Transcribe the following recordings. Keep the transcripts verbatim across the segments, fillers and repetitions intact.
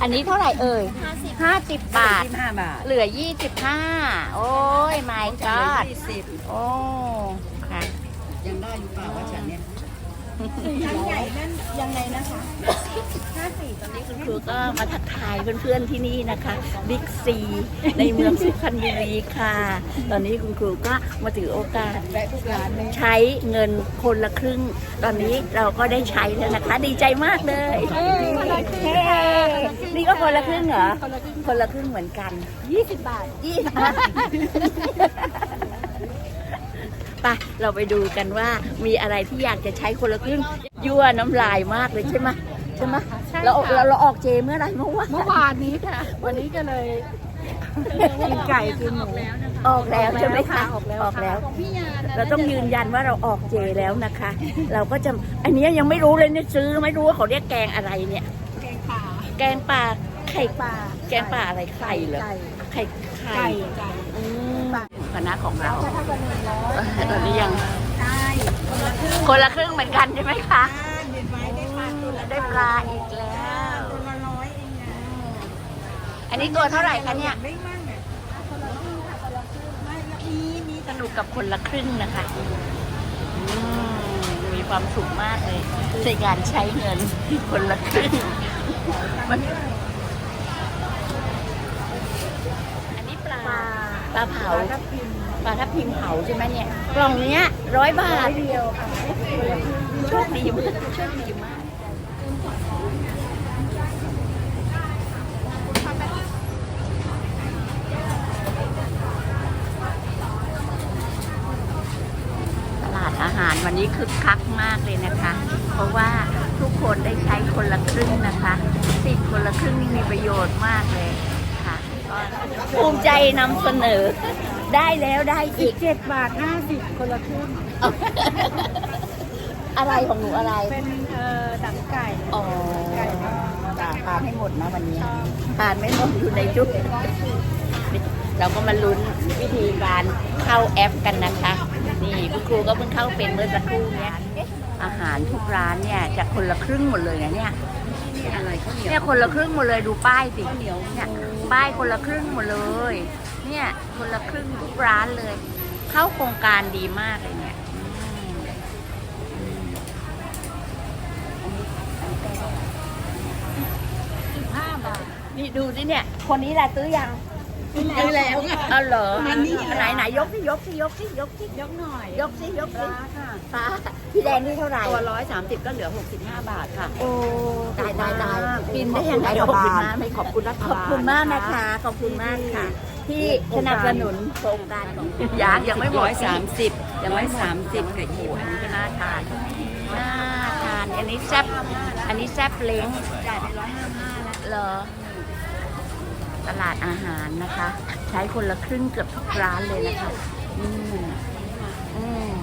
อันนี้เท่าไหร่เอ่ยห้าสิบบาทยี่สิบห้าบาทเหลือยี่สิบห้าโอ้ยไม่กอดยี่สิบโอ้ค่ะยังได้อยู่เปล่าว่าฉันเนี่ยชั้นใหญ่นั่นยังไงนะคะห้าสี่ตอนนี้คุณครูก็มาทักทายเพื่อนๆที่นี่นะคะบิ๊กซีในเมืองสุพรรณบุรีค่ะ ตอนนี้คุณครูก็มาถือโอกาสแวะทุกร้านเลยใช้เงินคนละครึ่ง ตอนนี้เราก็ได้ใช้แล้วนะคะ ดีใจมากเลยเฮ้นี่ก็คนละครึ่งเหรอคนละครึ่งเหมือนกันยี่สิบบาทยี่สิบไปเราไปดูกันว่ามีอะไรที่อยากจะใช้คนละครึ่งยั่วน้ำลายมากเลยใช่ไหมใช่ไหมเราเราเราออกเจเมื่อไหร่เมื่อวานเมื่อวานนี้ค่ะ วันนี้ก็เลยกินไก่กินหมูออกแล้วใช่ไหมคะออกแล้วออกแล้วของพี่ยาเราต้องยืนยันว่าเราออกเจแล้วนะคะ เราก็จะอันนี้ยังไม่รู้เลยเนี่ยซื้อไม่รู้ว่าเขาเรียกแกงอะไรเนี่ยแกงป่าแกงป่าไข่ป่าแกงป่าอะไรไข่เหรอไก่ไข่ไข่ไก่ไก่อืมคณะของเราถ้าวันหนึ่งร้อยตอนนี้ยังใช่คนละครึ่งคนละครึ่งเหมือนกันใช่ไหมคะเด็ดไว้ได้ปลาตัวละได้ปลาอีกแล้วตัวละร้อยเองนะอันนี้ตัวเท่าไหร่คะเนี่ยไม่มั่งอ่ะคนละครึ่งค่ะคนละครึ่งไม่แล้วมีมีสนุกกับคนละครึ่งนะคะอืมมีความสุขมากเลยในการใช้เงินคนละครึ่งมันอันนี้ปลาปลาเผาทับทิมปลาทับทิมเผาใช่ไหมเนี่ยกล่องเนี้ยร้อยบาทเดียวค่ะโชคดีมากโชคดีมากตลาดอาหารวันนี้คึกคักมากเลยนะคะ เพราะว่าทุกคนได้ใช้คนละครึ่งนะคะสิทธิ์คนละครึ่งนี่มีประโยชน์มากเลยค่ะก็ภูมิใจนำเสนอได้แล้วได้อีกเจ็ดบาทห้าสิบคนละครึ่งอะไรของหนูอะไรเป็นเอ่อดังไก่อ๋อไก่ทอดจะทานให้หมดนะวันนี้ทานไม่หมดอยู่ในจุดเราก็มาลุ้นวิธีการเข้าแอปกันนะคะ นี่คุณครูก็เพิ่งเข้าเป็นเมื่อสักครู่เนี้ยอาหารทุกร้านเนี่ยจะคนละครึ่งหมดเลยนะเนี่ยอะไรข้าวเหนียวเนี่ยคนละครึ่งหมดเลยดูป้ายสิเนี่ยป้ายคนละครึ่งหมดเลย เนี่ยคนละครึ่งทุกร้านเลย เข้าโครงการดีมากเลยเนี่ยอืมห้าบาทนี่ดูสิเนี่ย คนนี้แหละซื้อยังซื้อแล้วค่ะเอาเหรออันนี้ไหนไหนยกสิยกสิยกสิยกสิยกหน่อยยกสิยกปสิลาค่ะฟ้าพี่แดงนี่เท่าไหร่ตัวร้อยสามสิบก็เหลือหกสิบห้าบาทค่ะโอ้ตายตายตายกินได้ยังไงขอบคุณมากไม่ขอบคุณรัฐขอบบาลคุณมากนะคะ ขอบคุณมากค่ะ ที่สนับสนุนโครงการของคุณยางยังไม่หมดสามสิบยังไม่สามสิบกับอีกอันนี้ก็น่าทานน่าทานอันนี้แซ่บอันนี้แซ่บเล้งจ่ายไปร้อยห้าห้าแล้วเหรอตลาดอาหารนะคะ ใช้คนละครึ่งเกือบทุกร้านเลยนะคะอืมอืม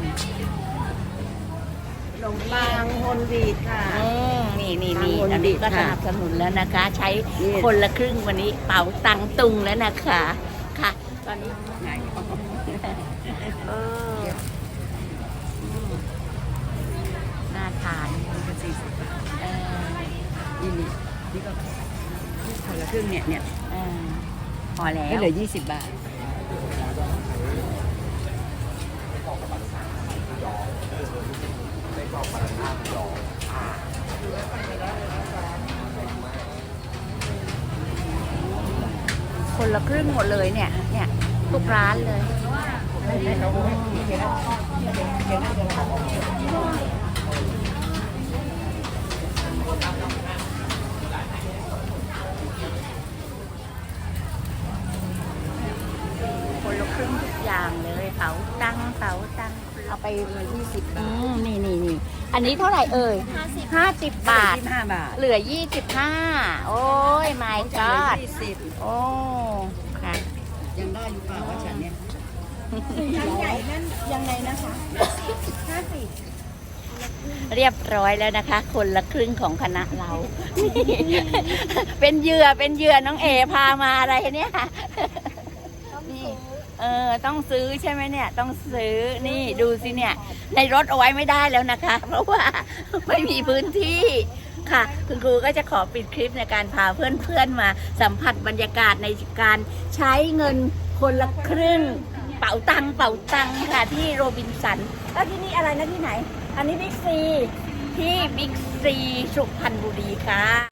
ขนมปังโฮลวีทค่ะอืมนี่นี่นี่ทางคนอันนี้ก็ดีสค่ะนับสนุนแล้วนะคะ ใช้นี่คนละครึ่งวันนี้เป๋าตังตุงแล้วนะคะค่ะ ตอนนี้เอออืมน่าทานสี่สิบบาทเออนี่นี่นี่ก็คนละครึ่งเนี่ยเนี่ยเออพอแล้วไม่เหลือยี่สิบบาทคนละครึ่งหมดเลยเนี่ย เนี่ยทุกร้านเลย คนละครึ่งทุกอย่างเลยเป๋าตังเป๋าตังเอาไปมายี่สิบอืมนี่นี่นี่อันนี้เท่าไหร่เอ่ยห้าสิบบาทยี่สิบห้าบาทเหลือยี่สิบห้าโอ้ยไม่กอดยี่สิบโอ้ค่ะยังได้อยู่เปล่าว่าฉันเนี่ยชั้นใหญ่นั่นยังไงนะคะห้าสิบเรียบร้อยแล้วนะคะ คนละครึ่งของคณะเรา เป็นเหยื่อเป็นเหยื่อน้องเอพามาอะไรเนี่ยนี่เออต้องซื้อใช่ไหมเนี่ย ต้องซื้อนี่ดูสิเนี่ย ในรถเอาไว้ไม่ได้แล้วนะคะ เพราะว่าไม่มีพื้นที่ค่ะคุณครูก็จะขอปิดคลิปในการพาเพื่อนๆมาสัมผัสบรรยากาศในการใช้เงินคนละครึ่งเป๋าตังเป๋าตังค่ะที่โรบินสันแล้วที่นี่อะไรนะที่ไหน อันนี้บิ๊กซีที่บิ๊กซีสุพรรณบุรีค่ะ